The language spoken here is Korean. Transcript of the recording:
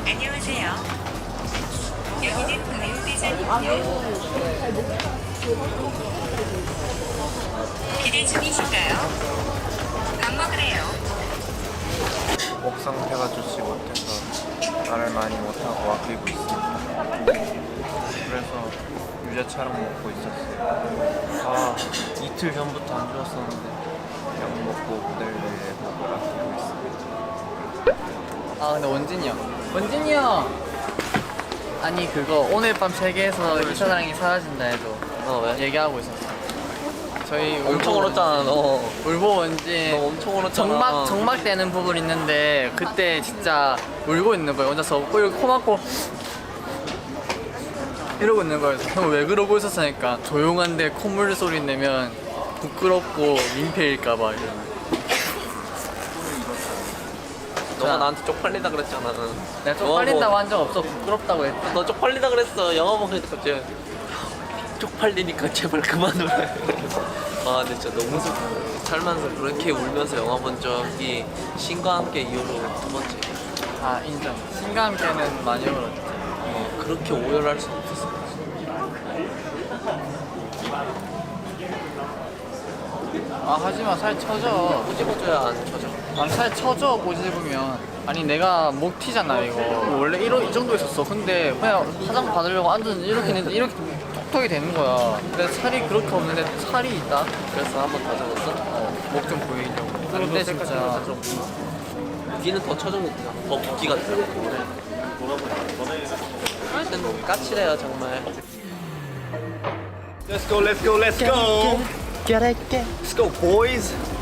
안녕하세요. 여기는 가요대전입니다. 기대 중이신가요? 밥 먹으래요. 목 상태가 좋지 못해서 말을 많이 못하고 아끼고 있습니다. 그래서 유자차랑 먹고 있었어요. 이틀 전부터 안 좋았었는데 약 먹고 무대를 위해 목을 아끼고 있습니다. 근데 원진이 형 아니 그거 오늘 밤 세계에서 이사랑이 사라진다 해도 왜? 얘기하고 있었어. 저희 엄청 울었잖아 너. 울보 원진 너 엄청 울었잖아. 정막 되는 부분 있는데 그때 진짜 울고 있는 거예요. 혼자서 이렇게 코 막고 이러고 있는 거예요. 형 왜 그러고 있었으니까 조용한데 콧물 소리 내면 부끄럽고 민폐일까봐 이러면. 너가 나한테 쪽팔리다 그랬잖아. 내가 쪽팔린다고 한 적 없어. 부끄럽다고 했다. 너 쪽팔리다 그랬어. 영화 보니까 갑자기 쪽팔리니까 제발 그만 울어. 근데 진짜 너무 슬프다. 살면서 그렇게 울면서 영화 본 적이 신과 함께 이후로 두 번째. 인정. 신과 함께는 많이 울었지. 그렇게 오열할 수 없었어. 하지마 살 쳐져. 꼬집어줘야 안 쳐져. 살 쳐져 꼬집으면. 아니 내가 목 튀잖아 이거. 원래 이 정도 있었어. 근데 그냥 화장 받으려고 앉았는데 이렇게 했는데 이렇게 톡톡이 되는 거야. 근데 살이 그렇게 없는데 살이 있다. 그래서 한 번 더 적었어? 목 좀 보이려고. 근데 진짜 귀는 더 쳐졌는데 더 붓기가 들어. 하여튼 까칠해요 정말. Let's go, let's go, let's go. Let's go, boys.